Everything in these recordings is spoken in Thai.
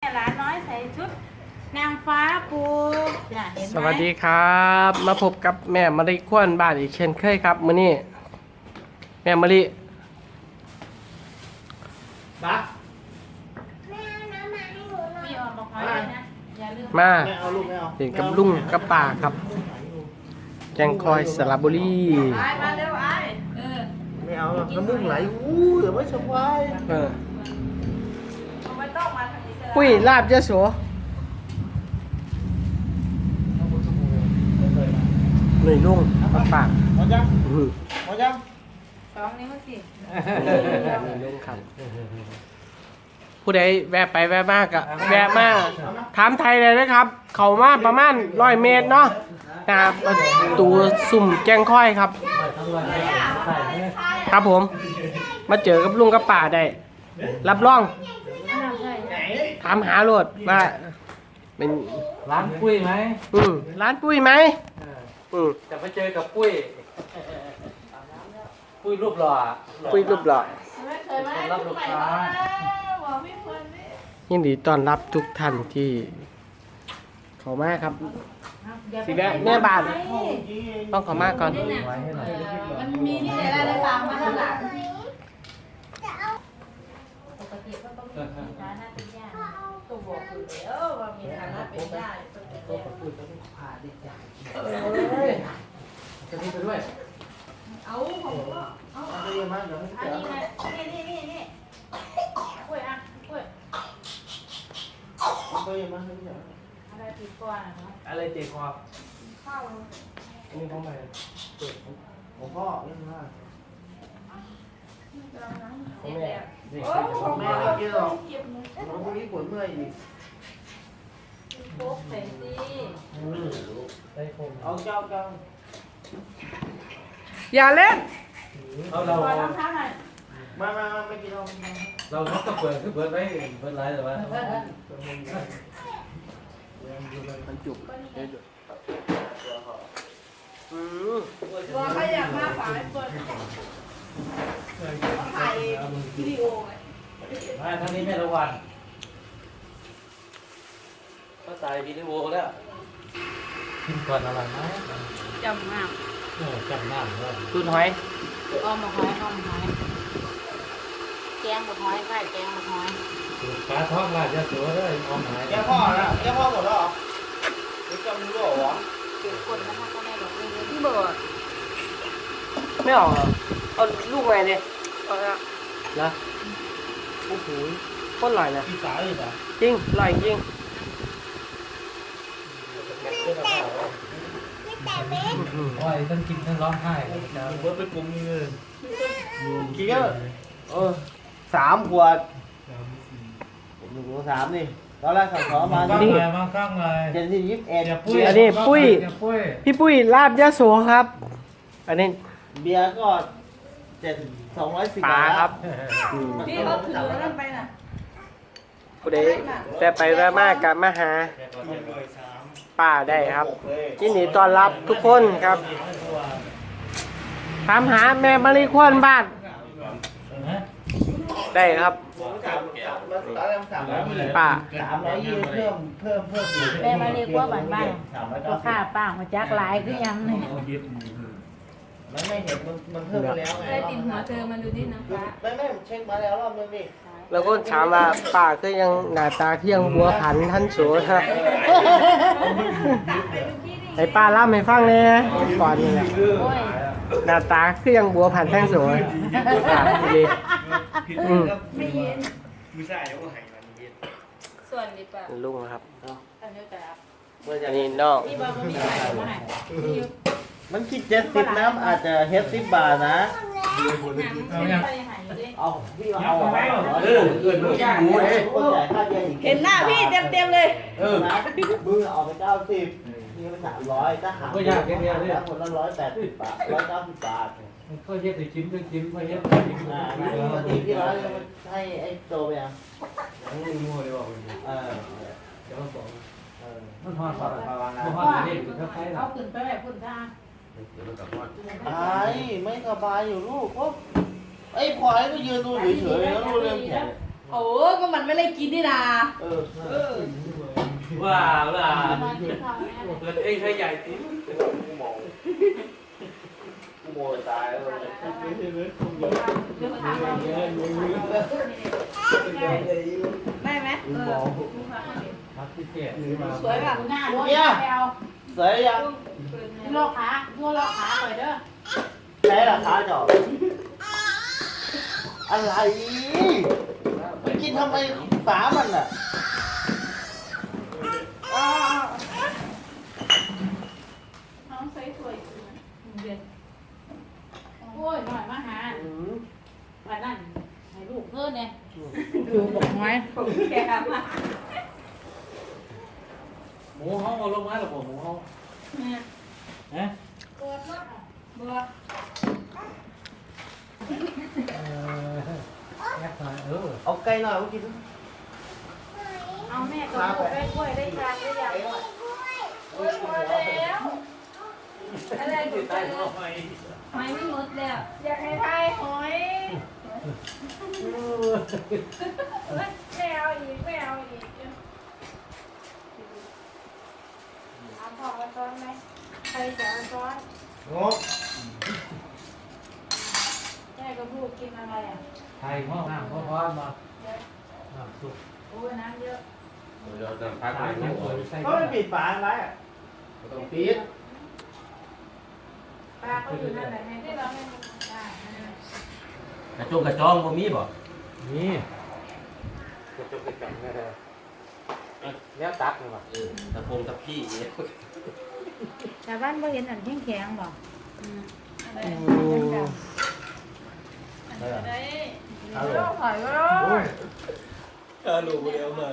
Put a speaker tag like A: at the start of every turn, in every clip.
A: เนี่ยหลานน้อยใส่ชุดนางฟ้าปูจ้ะเห็นไหม
B: สวัสดีครับ มาพบกับแม่มะลิขวัญบ้านอีกเช่นเคยครับมื้อนี้แม่มะลิบัก
A: มีออกมาคอยด้วยนะอย่าลืม
B: มา
C: ไม่เอาลูกไม่เอา
B: เห็นกับลุงกับป่าครับแกงคอยสระบุรี
A: ไอ้มาเร็วไอ้
C: ไม่เอาหรอกน้ำมูกไหลอู้เดี๋ยวไม่สบาย
B: เออ
A: ไม่ต้องมาทางนี้ก็ได้
B: ปุ้ยลาบยะโสหน่วยลุงกับป่า
C: หมดยัง
B: อื้อ
C: หมดยัง
A: สองนิ้วสิ
B: หน่วยลุงครับผู้ใดแวะไปแวะมากอะแวะมาถามไทยเลยนะครับ เขามาประมาณ100 เมตรเนาะนะครับตูสุ่มแกงค่อยครับ ครับผม มาเจอกับลุงกับป่าได้ รับรอง ถามหาโลดว่าเป็น
D: ร้านปุ้ยไหม
B: ร้านปุ้ยไหมม
D: จะไปเจอกับปุ้ย ปุ้ยรูปหล่อ
B: ปุ้ยรูปหล่อ
A: ไม่เคยไหม
D: รับลูกค้า
A: บอกพี่เพื่อนดิ
B: ยินดีต้อนรับทุกท่านที่เข้ามาครับ สิแวะแม่บ้าน ต้องเข้ามาก่อน
D: ไว้ให้หน่อย
A: มันมีที่ไหนได้ฟังมาข้างหลังปกติก็ต้องมีฐานะเป็นญาติตัวบอกอยู่แล้วว่ามีฐานะเป็นญาติต้องเป็นญาติ
D: ปุ้ยต้องพาเด็กใหญ่จะนี่ไปด้วย
A: เอาผมก็เอา
C: เอาไปเยอะมากเดี๋ยวไม่
A: อัน
C: เจอ
A: นี้ไงนี่กล้วยอ่ะกล้วย
C: เอาไปเยอะมากไม่เจอ
A: อะไรติดก่อนเนาะ
D: อะไรเจ็บคอ
A: เข้า
B: อันนี้เข้ามา
C: ของพ่อเยอะมาก
A: เจ็บแล้ว
D: นี่
A: โอ้ของ
C: แม่
A: แม่
C: ไม่กินหรอก
A: เจ็บมือ
C: พรุ่งนี้ปวดเมื่อยอีก
A: โป๊กใส่สิ
D: ได้คง
C: เอาเจ้า
B: อย่าเล่น
D: เรา
A: ขอรองเท้าหน่อย
C: มาไม่กินเอา
D: เราต้องเปิดคือเปิดไว้เปิดไลน์แต่ว่า
B: มันจุก
A: ตัวใครอยากมาฝายเปิดถ่ายวิดีโอไง
D: มาทางนี้แม่ละวันก็ตายวิดีโอแล้วกินก่อนอะไรนะ
A: จำมาก
D: โอ้จำหน้าเลย
B: ตุนหอย
A: อ้อมหอยแกงหมกหอยค่ะแกงหมกหอย
D: ปลาท้องราชจะสวยเลยออมหาย
C: แก้พ่อนะแก้พ่อหมดแล้วเหรอหรือจำรู้เหรอ
A: เก็บกดนะคะก็แม่บอกเลยที่เบิร์ด
B: ไม่ออกเหรอเอาลูกไงเนี่ย
A: เอาละ
B: นะโอ้โหโคตรอร่อยนะ
C: อีสานอีกเหรอ
B: จริงอร่อยจริง
D: โอ้ยต้องกินทั้งร้องไห้
C: เบิร์ดไปกลุ่มนี้เลยกินก็3 ขวด1 2 3นี่ตอนแรกสั่งขอมา
D: ข้างเลยมาข้างเลย
C: เจ็ดที่21
D: อย่าปุ้ย
B: พี่ปุ้ยลาบยะโสครับ อันนี้
C: เบียร์ก็210
B: ปลา
C: บาท
B: ครับ
A: พี่เขาถือนั่นไปน่ะ
B: ผู้ใดแต่ไปแวะมากกับมาหาป้าได้ครับยินดีต้อนรับทุกคนครับถามหาแม่มะลิขวัญบ้านได้ครับป้า
C: 320เพิ่มอีก
A: แม่มาเรียกว่าบ้านบ้านก็ค่าป้ามาจักหลายคือยังเนี่ย
C: มันไม่เห็นมันเพิ่มมาแล้วไง
A: ได้ติดหัวเธอมาดูที่น้ำฟ้า
C: ไม่เช็คมาแล้วรอบนึงนี่
B: แล้วก็ถามว่าป้าคือยังหน้าตาเที่ยงบัวผันท่านโสฮะให้ป้าเล่าให้ฟังเลยก่อนนี่แหละ
A: โอ้ย
B: หน้าตาคือยังบัวผันท่านโสป้าดีอืม
A: ไม่เย็น
C: มือใส่แล้วก็หายมันเย็น
A: ส่วนดีป่ะ
B: ลุงนะครับ
A: อันนี้แต่
B: อันนี้น้อง
A: พี่บอกว่ามีใครมาให้พี่ยุบ
C: มันคิด70น้ำอาจจะเฮ็ด10 บาทนะ
A: เอาอย่างไปหายอยู่ดิ
C: เอาพี่เอาลูกย่างหมูเลยคนจ่ายค่าเย็นอีก
A: เห็นหน้าพี่เต็มๆเลย
C: นะมึงเอาไป90นี่มัน300ถ้าหารคนละ180 บาท190 บาท
D: ก็เย็บไปจิ้มก็จิ้มก็เย็บไปจิ้ม
C: ปกติพี่ร้อยมันให้ไอ้โจไปยัง
D: ไม่รู้เลยบอก
C: เดี๋ยวมันบอก
D: มันทอดปลาปลาวางนะทอดเด็กก็ใช้
A: เอาขึ้นไปแบบพุ่นทาง
C: ไม่สบายอยู่ลูกก็ไอ้พลอยก็ยืนดูเฉยๆแล้วรู้เรื่องแขน
A: โอ้ก็มันไม่ได้กินนี่นา
D: ว้าวล่ะเปิดเองให้ใหญ่ที
C: กูโมยตายแล้ว
A: ได้ไหม
D: ครับพี่เจ๊
A: สวยป่ะ
C: เนี่ยสวยยัง
A: โลขาหน่อยเด้อ
C: ใช้ราคาจอบอะไรไปกินทำไมฝามันอ่ะ
A: น้องสวยเดือนโอ้ยหน่อยมาหาวันนั้นให้ลูกเพื่อนเนี่ยดูบอกไว้แกมา
D: หมูห้องเอาลงมาหรอผมหมูห้อง
A: เนี่ย
D: นะ
A: บัว
D: แยกมา
C: เอาไก่หน่อยมากิน
A: เอาแม่กับลูกได้กล้วยได้ชาได้ยาหมดโอ้ยพอแล้วอะไร
D: ติ
A: กู
D: ด
A: เจ
D: ใต้
A: อ
D: ท้องไฟ
A: หอยไม่หมดแล้วอยากให้ทายหอยไม่เอาอีกเอาของมาซ้อนไหมใครจะเอาซ้อน
C: งบ
A: แม่กับลูกกินอะไรอ่ะ
D: ไทยห้องน้ำพร้อมมาน้ำซุป
A: โอ้ยน้ำเยอะ
E: เราจะพัก
D: ตาย
E: ไหน
D: ไม่
E: ไม่
D: สวยใส่
C: ก็ไม่ปิดฝาไว้อะ
E: ต้อง
C: ปิด
A: ปลาเขาอยู่นั่นแหละให้ที่เราไม่ได้
E: กระจงกระจองบ่มีบ่
D: นี่
E: กระจงกระจองแท้ๆแล้วตักเลยว่ะตะพงตะพี่เนี่ย
A: ชาวบ้านบ่เห็นอันแข็งๆบ่ได้เอาลูกหอยก็ได้
C: ลูกเดียวเลย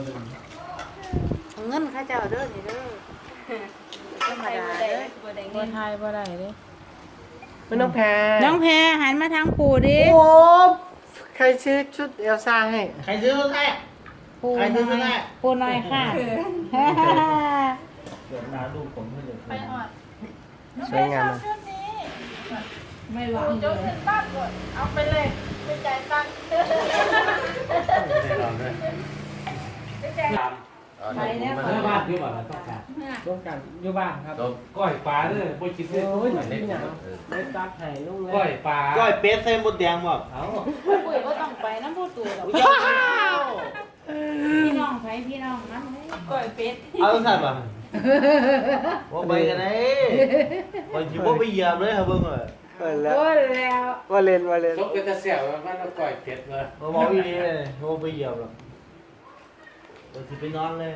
A: เงินข้าเจ้าเด้อนี่เด้อธรรมดาเด้อบ่ไทยบ่ได้เด้
B: ไม่ต้องแพ้
A: น้องแพรหันมาทางปู่ดิ
B: โอ้ใครซื้อชุดเอลซ่าให้
C: ใครซื้อมาให้
A: ปู่
C: ใครซื้อมาให้
A: ปู่น้อยค่ะ
C: เกิดมาลูกผมไม่เลย
A: ไปออด
B: สวยงาม
A: ชุดนี้ไม่หวังเลยตั้งก่อนเอาไปเลยไปจ่ายตังค์
D: ได้ลองด้วย
A: ไปจ่าย
E: ตาม
A: ไปแล้ว
D: เมื่อบ้านอยู่บ้านต้องการ
B: ร่วมกันอยู่บ้านครับ
D: ก้อยปลาเด้อบ่คิดเด้อ
B: โอ้ย
E: เล็ก
B: ห
E: ๆ
B: นาว
E: เออ
B: ได้ตักไห่ลุงเลย
D: ก้อยปลา
C: ก้อยเป็ดใส่หมดแดงหมด
D: เอา
A: ปุ้ยก็ต้องไปน้ำผู้ตู่หรอก
C: อุ้ยเอา
A: พี่น้องไปพี่น้องน้ำก่อยเป็ด
C: เอาสั่นป่ะว่าไปกันไหนคนชิบว่าไปเหยียบเลยครับเบิ้งเลย
B: เปิดแล้ว
A: โอ้แล้ว
B: ว่าเล่นว่าเล่น
D: ซกเป็นตะเสี่ยวมันเอาก้อยเผ็ดเลย
C: มาบอกอีนี่เลยว่าไปเหยียบหรอกเดี๋ยวสิไปนอนเลย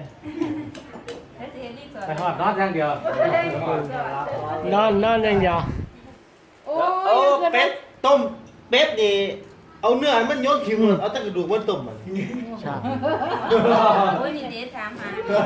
D: ไปหอดนอนอย่างเดียวน
B: อนอย่างเดียว
A: โอ้
C: เอา
A: ย
C: เป็ดต้มเป็ดนี่เอาเนื้อมันโยนทิ้งหมดเอาแต่กระดูกมันต้มมัน
B: ใช่
A: โอ้ยนี่เจ๊ถามหา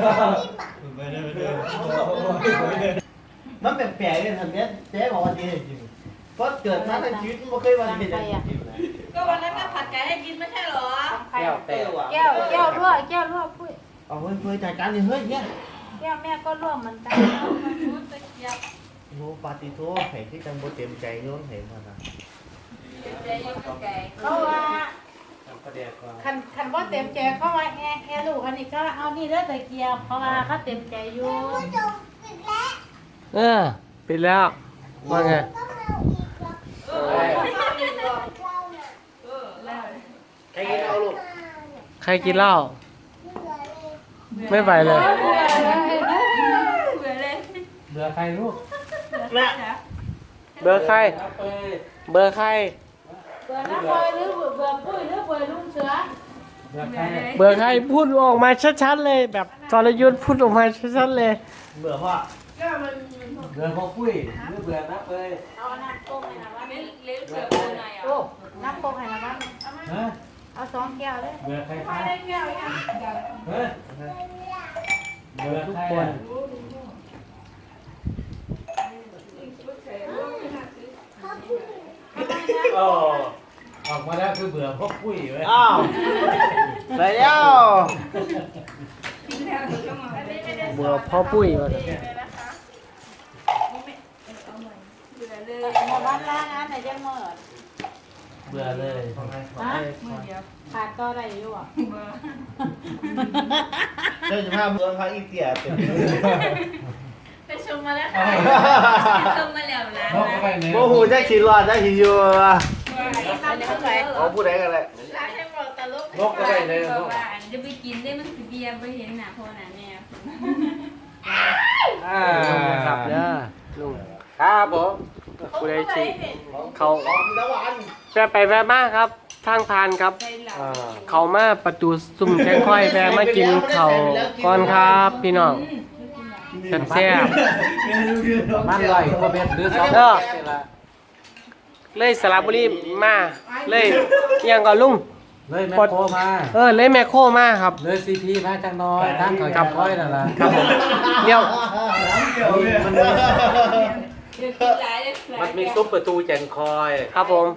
C: มันแปลกๆเลยทันเนี้ยเจ๊บอกว่าเจ๊จริงเพราะเกิดมาในชีวิตไม่เคยว่าเป็นอย่างนี้นะ
A: ก็วันนั้นแม่ผัดไก่ให้กินไม่ใช่หรอ
E: แก้วแต้ว
A: แก้วรั่วปุ้ย
C: เอาเฮ้ยเพื่อจัดการนี่เฮ้ยเนี่ย
A: แก้วแม่ก็รั่วเหมือนกันชุดตะเกียบ
C: โอ้ปาติโต้ไข่ที่จังบ่เต็มใจโยนเห็นมานะ
A: ใจยุ่งไก่เขาว่า
D: ประเดี๋ยวก่อน
A: คันว่าเต็มใจเขาว่าแฮ่ลูกอันนี้ก็เอานี่เด้อตะเกียบเพราะว่าเขาเต็มใจอยู่
B: ปิดแล้วว่าไง
C: ใครกินเอาลูก
B: ใครกินเหล้าไม่ไปเลย
D: เบื่อใครลูก
C: แม่
B: เบอร์ใคร
D: เอาไป
B: เบอร์ใคร
A: เบื่อน้ำพลอยหรือเบื่อปุ้ยหรือเบื่อลุงเสือ
D: เบื่อใคร
B: เบอร์ใครพูดออกมาชัดๆเลย แบบจรยุทธ์พูดออกมาชัดๆเลย
C: เบื่อพ่อ
A: ก็มัน
D: เบื่อพอปุ้ยหรือเบื่อนับเลย
A: เอาน้ำต้มให้นะว่า
D: เบื่อใคร
A: โอ้น้ำต้มให้นะว่า
D: ฮะ
A: เอา2 แก้วเลย
D: เบื่อใคร
A: พอ
D: คะ
A: ได้แก้วยัง
D: เฮ้ยเบื่อทุกคน โอ้ออกมาแล้วคือเบื่อพวกปุ้ยเว้ย
C: อ้าวไปแล้ว
B: เบอร์พ่อปุ้ยว่ะ
A: มาบ้านล้างอันไหนจะหมด
D: บื่อเลย
A: ฮะขาดก็ได้อยู่อ่ะ
C: เจ้าจะพาเมืองพาอีเตียเต็ม
F: ไปชมมาแล้วค่ะชมมาแล้วนะ
D: นกไปเนี่ย
C: โมหูจะขี่รอดจะขี่อยู่
A: อันนี้เข้าใจ
C: เอาผู้ใดกันเลย
F: ร้านให้บอกตลก
D: นกก็ได้เลยน
F: บอก
D: ก
F: ว่าจะไปกินได้มันสิเบียร์ไปเห็นหน้าพ่อหน้าแม่
B: ครับเด้อลุง
D: ครับผม
B: ผู้ใดสิเขา
C: แล้ววัน
B: แวะไปแวะมาครับทางผ่านครับ เขามาประตูซุ่มแข้งค่อยแวะมากินเขาวก่อนครับพี่น้องแซ่บ
D: มันลอยโคเมตรหรือสอง
B: ๆเลยสระบุรีมาเลยอิหยังก่อนลุง
D: เลยแมคโครมา
B: เลยแมคโครมาครับ
D: เลยซีพีมาจังน้อยทั้งเขาจับค่อยนั่นแหละ
B: ครับผมเดี๋ยว
F: เดี๋ยวกินหลายเลย
E: มันมีซุปประตูแจงคอย
B: ครับผม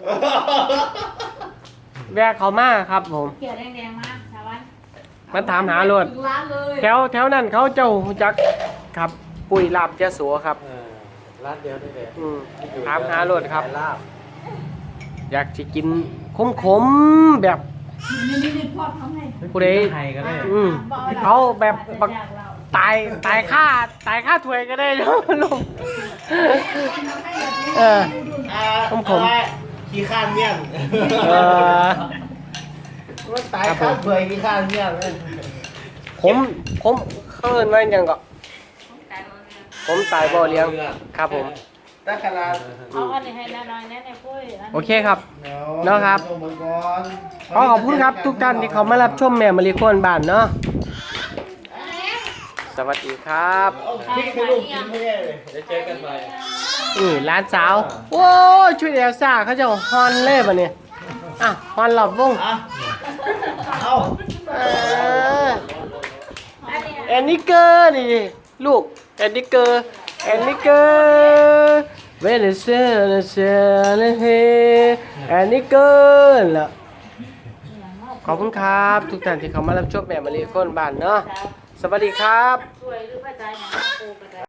B: แวะเขามาครับผม
A: เขียวแดงๆมาชาวบ้าน
B: มันถามหาโลด
A: ถึงร้านเลย
B: แถวนั้นเขาเจ้ารู้จักครับปุ๋ยลาบยะโสครับ
D: ร้านเดียวนี่แหละ
B: ถามหาโลดครับ
D: ลาบ
B: อยากสิกินขมๆแบบ
A: นี่พ่อทำให้
B: ผู้ใด
D: ไทยก็ได้
B: เอาแบบบักตายค่าถ้วยก็ได้นะลุงเออ
C: ขี้ข้านเมี่ยง
B: เออ
C: มันตายข้าวเบื่อขี้ข้านเมี่ยงเลย
B: ผมเขาเอิ้นว่าหยังก็ผมตายบ่เลี้ยงครับผม
C: แต่ขนาด
A: เอาอันนี้ให้น้อยๆแน่ในปุ้ย
B: โอเคครับ เนาะครับ ขอขอบคุณครับทุกท่านที่เขามารับชมแม่มารีโคนบ้านเนาะสวัสดีครับ
C: พริกให้ลูกกินไม่ได้เลย
E: เดี๋ยวเจอกันใหม่
B: นี่ร้านสาวโอ้ยช่วยเอลซ่าเขาจะฮอนเล่บะเนี่ยอ่ะฮอนหลอบวง
C: อ่ะเอา
B: เออแอนนิเกอร์นี่ลูกแอนนิเกอร์เวเนเซลเซลเฮแอนนิเกอร์ล่ะขอบคุณครับทุกท่านที่เขามารับชมแม่มารีโคนบ้านเนาะสวัสดีครับ
A: สวยหรือว่าใจหนังปูกระ